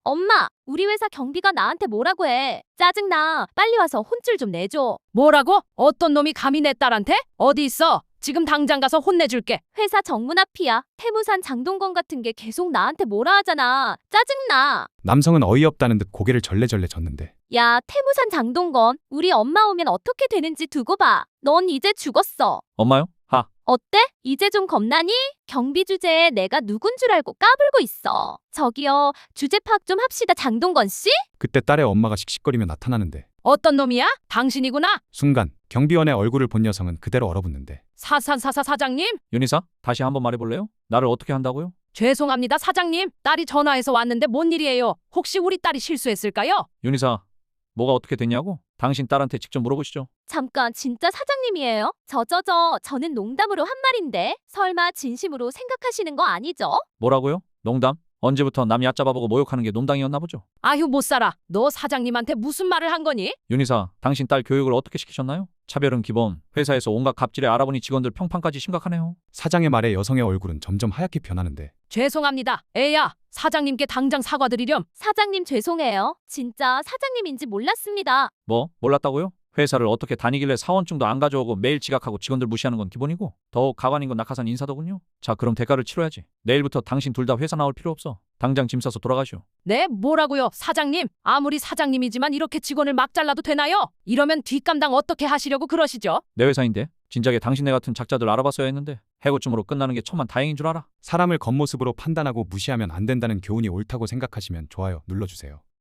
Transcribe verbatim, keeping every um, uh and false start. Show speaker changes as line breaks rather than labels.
엄마, 우리 회사 경비가 나한테 뭐라고 해. 짜증나. 빨리 와서 혼쭐 좀 내줘.
뭐라고? 어떤 놈이 감히 내 딸한테? 어디 있어? 지금 당장 가서 혼내줄게.
회사 정문 앞이야. 태무산 장동건 같은 게 계속 나한테 뭐라 하잖아. 짜증나.
남성은 어이없다는 듯 고개를 절레절레 젓는데
야, 태무산 장동건. 우리 엄마 오면 어떻게 되는지 두고 봐. 넌 이제 죽었어.
엄마요? 하.
어때? 이제 좀 겁나니? 경비 주제에 내가 누군 줄 알고 까불고 있어. 저기요, 주제 파악 좀 합시다, 장동건 씨?
그때 딸의 엄마가 씩씩거리며 나타나는데
어떤 놈이야? 당신이구나?
순간 경비원의 얼굴을 본 여성은 그대로 얼어붙는데
사산사사 사장님?
윤희사, 다시 한번 말해볼래요? 나를 어떻게 한다고요?
죄송합니다 사장님. 딸이 전화해서 왔는데 뭔 일이에요? 혹시 우리 딸이 실수했을까요?
윤희사, 뭐가 어떻게 됐냐고? 당신 딸한테 직접 물어보시죠.
잠깐, 진짜 사장님이에요? 저저저, 저는 농담으로 한 말인데 설마 진심으로 생각하시는 거 아니죠?
뭐라고요? 농담? 언제부터 남 얕잡아보고 모욕하는 게 농담이었나 보죠?
아휴 못 살아. 너 사장님한테 무슨 말을 한 거니?
윤희사, 당신 딸 교육을 어떻게 시키셨나요? 차별은 기본, 회사에서 온갖 갑질에 알아보니 직원들 평판까지 심각하네요.
사장의 말에 여성의 얼굴은 점점 하얗게 변하는데
죄송합니다. 애야, 사장님께 당장 사과드리렴.
사장님 죄송해요. 진짜 사장님인지 몰랐습니다.
뭐? 몰랐다고요? 회사를 어떻게 다니길래 사원증도 안 가져오고 매일 지각하고 직원들 무시하는 건 기본이고 더욱 가관인 건 낙하산 인사더군요. 자, 그럼 대가를 치러야지. 내일부터 당신 둘 다 회사 나올 필요 없어. 당장 짐 싸서 돌아가시오.
네, 뭐라고요? 사장님, 아무리 사장님이지만 이렇게 직원을 막 잘라도 되나요? 이러면 뒷감당 어떻게 하시려고 그러시죠?
내 회사인데 진작에 당신네 같은 작자들 알아봤어야 했는데 해고쯤으로 끝나는 게 천만 다행인 줄 알아.
사람을 겉모습으로 판단하고 무시하면 안 된다는 교훈이 옳다고 생각하시면 좋아요 눌러주세요.